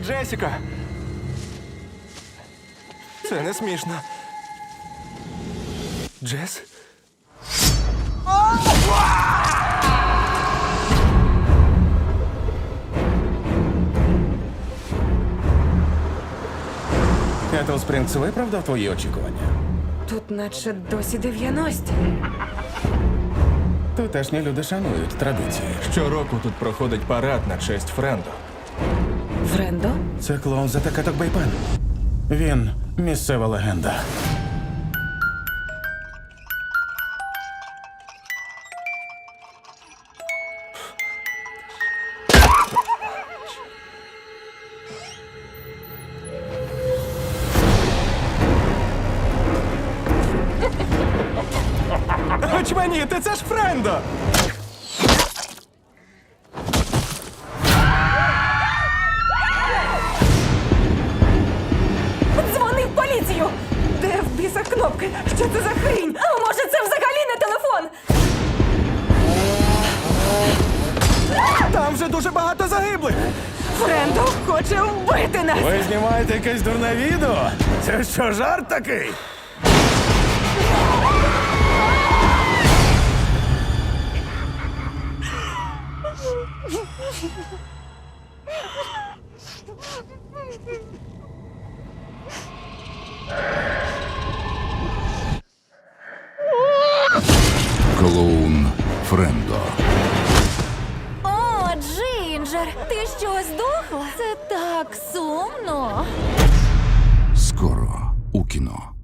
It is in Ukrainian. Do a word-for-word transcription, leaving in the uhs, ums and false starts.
Джесіка! Це не смішно. Джес? Кетл Спрінгс виправдав твої очікування? Тут наче досі дев'яності. Тутешні люди шанують традиції. Щороку тут проходить парад на честь Френдо. Френдо? Це клоун за Такаток Бейпен. Він місцева легенда. Очманіти, це ж Френдо! Дзвони в поліцію! Де в біса кнопки? Що це за хрінь? А може це взагалі не телефон? Там вже дуже багато загиблих! Френдо хоче вбити нас! Ви знімаєте якесь дурне відео? Це що, жарт такий? Клоун Френдо. О, Джинджер, ти що, здохла? Це так сумно. Скоро у кіно.